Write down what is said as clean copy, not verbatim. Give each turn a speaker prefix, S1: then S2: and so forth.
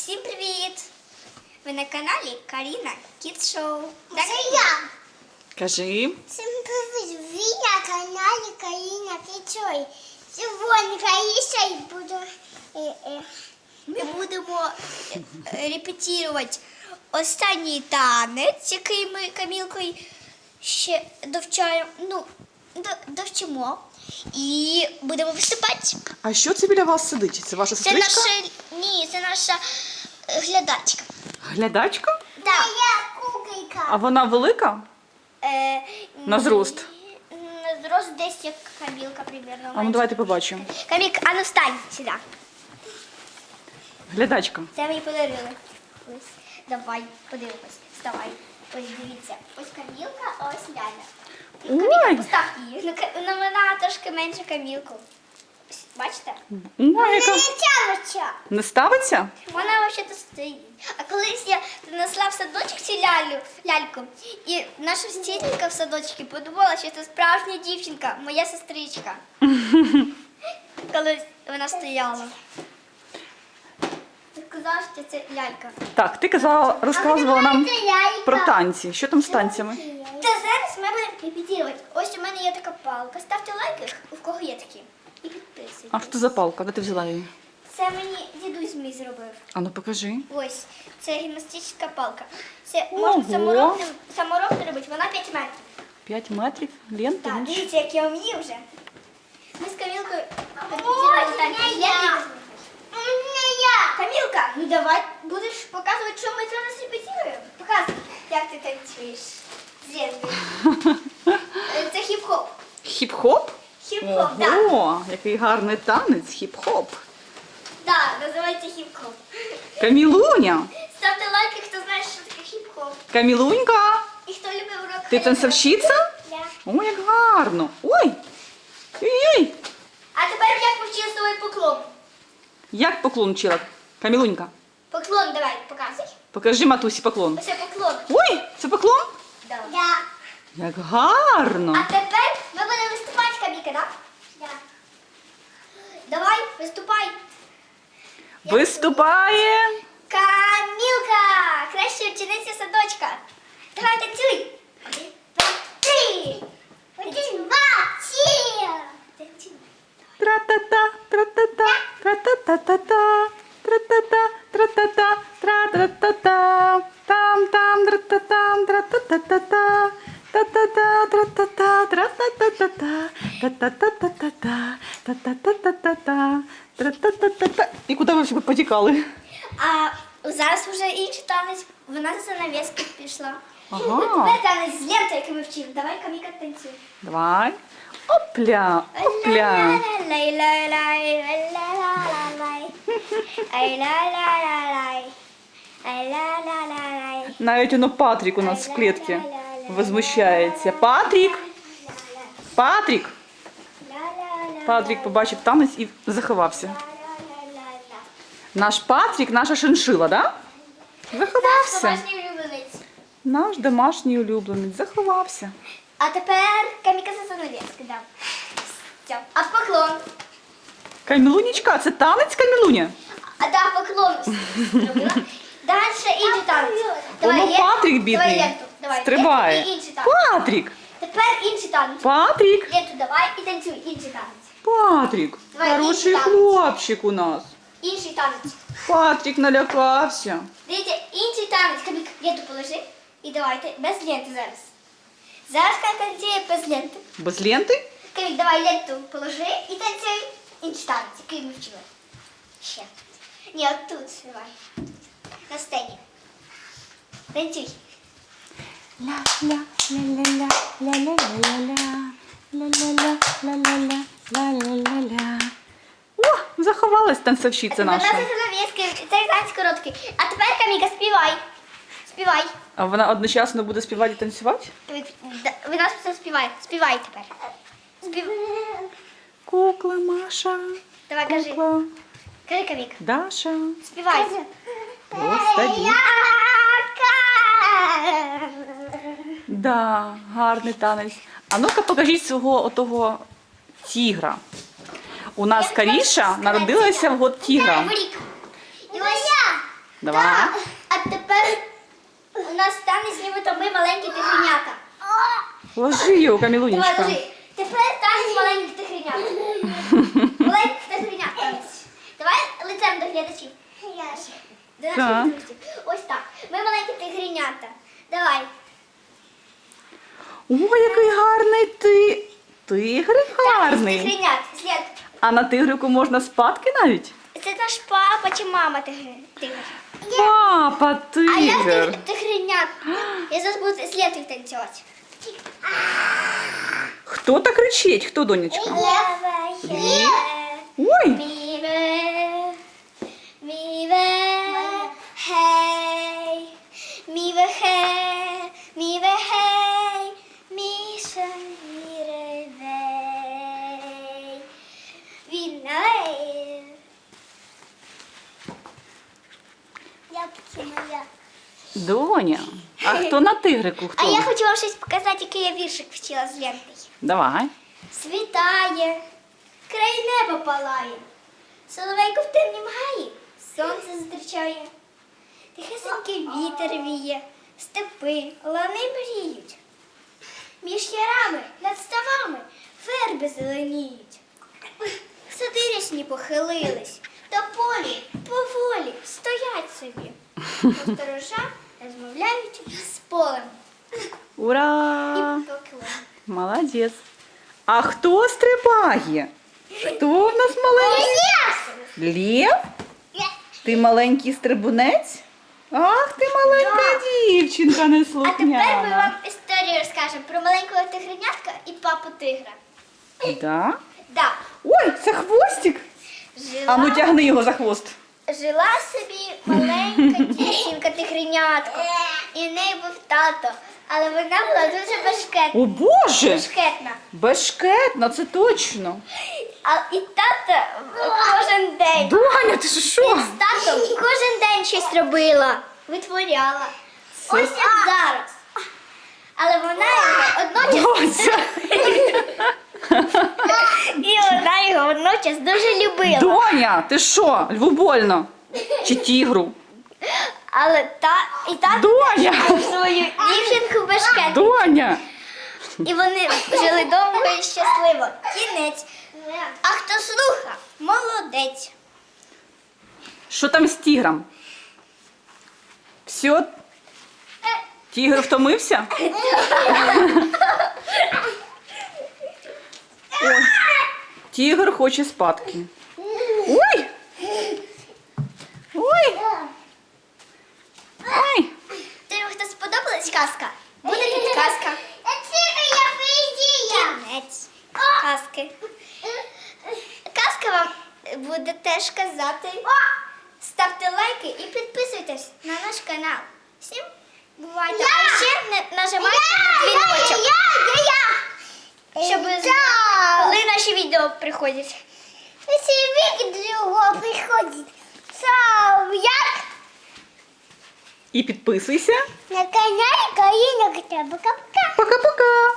S1: Всім привіт! Ви на каналі Каріна Kids Show.
S2: Це я.
S3: Кажи.
S2: Всім привіт! Ви на каналі Каріна Kids Show. Сьогодні Каріша і буду...
S1: Ми будемо репетирувати останній танець, який ми Камілкою ще довчимо. І будемо виступати.
S3: А що це біля вас сидить? Це ваша сестричка?
S1: Це наша глядачка.
S3: Глядачка?
S1: Так.
S2: Я куколька.
S3: А вона велика? На зрост?
S1: На зрост десь як Камілка, примерно.
S3: А ну давайте побачимо.
S1: Камік, а ну встань сюди.
S3: Глядачка.
S1: Це мені подарили. Ось, давай, подивимось. Вставай. Ось дивіться. Ось Камілка, а ось Ляля. Ну, Камілка,
S3: Ой.
S1: постав її. Ну, вона трошки менше Камілку. Ось, бачите?
S3: Ой, яка...
S2: Не тягоча.
S3: Не ставиться?
S1: Вона взагалі стоїть. А колись я принесла в садочок цю ляльку, і наша вчителька в садочці подумала, що це справжня дівчинка, моя сестричка. Коли вона стояла. Сказала, що це лялька.
S3: Так, ти казала, розказувала нам
S2: Це лялька.
S3: про танці. Що там з танцями?
S1: Та зараз ми будемо репетирувати. Ось у мене є така палка. Ставте лайки, у кого є такі. І підписуйтесь.
S3: А що це за палка? Де ти взяла її?
S1: Це мені дідусь мій зробив.
S3: А ну покажи.
S1: Ось, це гімнастична палка. Це
S3: Ого.
S1: можна саморобно робити, вона 5 метрів.
S3: 5 метрів ленти.
S1: Так,
S3: ну,
S1: дивіться, як я вмію вже. Ми з Камілкою
S2: Ось,
S1: репетирували танці.
S2: не я. Не я.
S1: Камілка, ну давай будеш показувати, що ми зараз репетируємо. Показуй, як ти танцюєш з Лєною. Це хіп-хоп.
S3: Хіп-хоп?
S1: Хіп-хоп, так.
S3: Ого, який гарний танець, хіп-хоп.
S1: Так, називається хіп-хоп.
S3: Камілуня.
S1: Ставте лайки, хто знає, що таке хіп-хоп.
S3: Камілунька,
S1: І хто любить урок.
S3: ти
S1: хореографії.
S3: танцовщиця?
S1: Да.
S3: О, як гарно. Ой. Ой-ой.
S1: А тепер як повчила свій поклон?
S3: Як поклон вчила? Камілунька,
S1: Поклон давай, показуй.
S3: покажи матусі поклон.
S1: Ось поклон.
S3: Ой, це поклон?
S1: Да.
S2: Да.
S3: Як гарно.
S1: А тепер ми будемо виступати, Каміка, так?
S2: Да.
S1: Давай, виступай.
S3: Виступає.
S1: Камілка, краща учениця садочка. Давай танцюй. 1, 2, 3.
S2: Один, два, три.
S1: Танцюй.
S3: Тра-та-та, тра-та-та, тра-та-та-та-та, тра-та-та, тра-та-та, тра-та-та-та, там-там, тра-та-там, тра-та-та-та-та, та-та-та, тра-та-та, тра-та-та-та-та, та-та-та-та-та-та, та-та-та-та-та-та, тра-та-та-та-та. І куди ви всі потікали?
S1: А зараз вже інший танець. Вона за занавески пішла.
S3: Ага.
S1: Тепер танець з лентою, який ми вчили. Давай, Каміка, танцюй.
S3: Давай. Опля, опля. Навіть воно Патрік у нас в клітці возмущається. Патрік! Патрік! Патрік побачив танець і заховався. Наш Патрік, наша шиншила, да? Заховався.
S1: Домашній улюбленець.
S3: Наш домашній улюбленець заховався.
S1: А тепер Каміка за занавески, да. Все. А поклон.
S3: Камілунічка, це танець, Камілуня?
S1: А да, поклон зробила. Дальше інший танець.
S3: Воно
S1: ленту.
S3: Патрік бідний
S1: Давай ленту. Давай.
S3: стрибає.
S1: Ленту і інший танець.
S3: Патрік!
S1: Тепер інший танець.
S3: Патрік!
S1: Ленту давай і танцюй. Інший танець.
S3: Патрік!
S1: Давай,
S3: Хороший
S1: інший танець.
S3: хлопчик у нас.
S1: Інший танець.
S3: Патрік налякався.
S1: Дивіться, інший танець. Камік, ленту положи. І давайте без ленти зараз. Зараз танцює без ленти.
S3: Без ленти?
S1: Камік, давай ленту положи і танцюй. Інший танець, який ми вчили. Ще. Ні, от тут давай. На сцені. Танцюй.
S3: Ля-ля-ля-ля-ля-ля-ля-ля-ля-ля-ля-ля-ля-ля-ля. О, заховалась танцовщиця
S1: Вона
S3: наша.
S1: за занавески, цей танець короткий. А тепер, Каміка, співай. Співай.
S3: А вона одночасно буде співати і танцювати?
S1: Вона співає. Співай тепер. Співай.
S3: Кукла Маша,
S1: Давай, кажи.
S3: кукла
S1: Кажи, Камік.
S3: Даша.
S1: Співай.
S3: Просто Да, гарний танець. А ну-ка покажіть свого отого тігра. У нас Каріша народилася в год тігра.
S1: В рік. І ось
S3: Давай.
S1: А тепер у нас танець, нібито ми маленькі тигренята.
S3: Ложи його,
S1: Давай,
S3: Камілунечка.
S1: ложи. Тепер танець маленьких тигренят. Маленьких тигренят танець. Давай лицем до глядачів. До наших
S3: Так.
S1: друзів. Ось так. Ми маленькі тигренята. Давай.
S3: Ой, який гарний ти. Тигрик гарний.
S1: Тигренят. Слід.
S3: А на тигрику можна спадки навіть?
S1: Це наш папа чи мама тигр.
S3: Папа,
S1: А я
S3: тигр.
S1: тигренят. Я зараз буду слід танцювати.
S3: Хто так кричить? Хто, донечка? Лев. Ой,
S1: Міве, хей, міве, хей, міве, хей, міша, міревей, вінай.
S2: Як це моя?
S3: Доня. А хто на тигрику?
S1: А
S3: Хто?
S1: я хочу вам щось показати, який я віршик вчила з Ленкою.
S3: Давай.
S1: Світає, край неба палає, соловейко в темнім гаї, сонце зустрічає, тихесенький вітер віє, степи, лани мріють. Між ярами, над ставами верби зеленіють. Сади рясні похилились, та полі поволі стоять собі. Посторожа розмовляють з полем
S3: Ура!
S1: і поклон.
S3: Молодець. А хто стрибає? Хто в нас маленький? Лев? Ти маленький стрибунець? Ах, ти маленька дівчинка
S1: А тепер ми
S3: неслухняна.
S1: вам історію розкажемо про маленького тигренятка і папу тигра.
S3: Да?
S1: Да.
S3: Ой, це хвостик. А ну тягни його за хвост.
S1: Жила собі маленька дівчинка тигренятко. І в неї був тато. Але вона була дуже бешкетна.
S3: О Боже!
S1: Бешкетна.
S3: Бешкетна, це точно.
S1: І тато кожен день.
S3: Доня, ти що?
S1: З татом кожен день щось робила, витворяла.
S3: Це-
S1: Ось як зараз. Але вона його одночас
S3: Дося.
S1: і вона його водночас дуже любила.
S3: Доня, ти що? Льву больно? Чи тігру?
S1: Але і тато
S3: Доня!
S1: мав свою дівчинку бешкетну.
S3: Доня!
S1: І вони жили довго і щасливо. Кінець. А хто слухав, молодець.
S3: Що там з тігром? Все? Тігр втомився? Ой, тігр хоче спадки. Ой! Ой! Ой!
S1: Тобі хто сподобалась казка? Буде підказка. Кінець казки. Казка вам буде теж казати. Ставте лайки і підписуйтесь на наш канал. Всім бувайте. А ще нажимайте на дзвіночок, щоб знати, коли наші відео приходять.
S2: Приходить. Це як
S3: І підписуйся.
S2: на каналі Каріна Пока-пока.
S3: Пока-пока!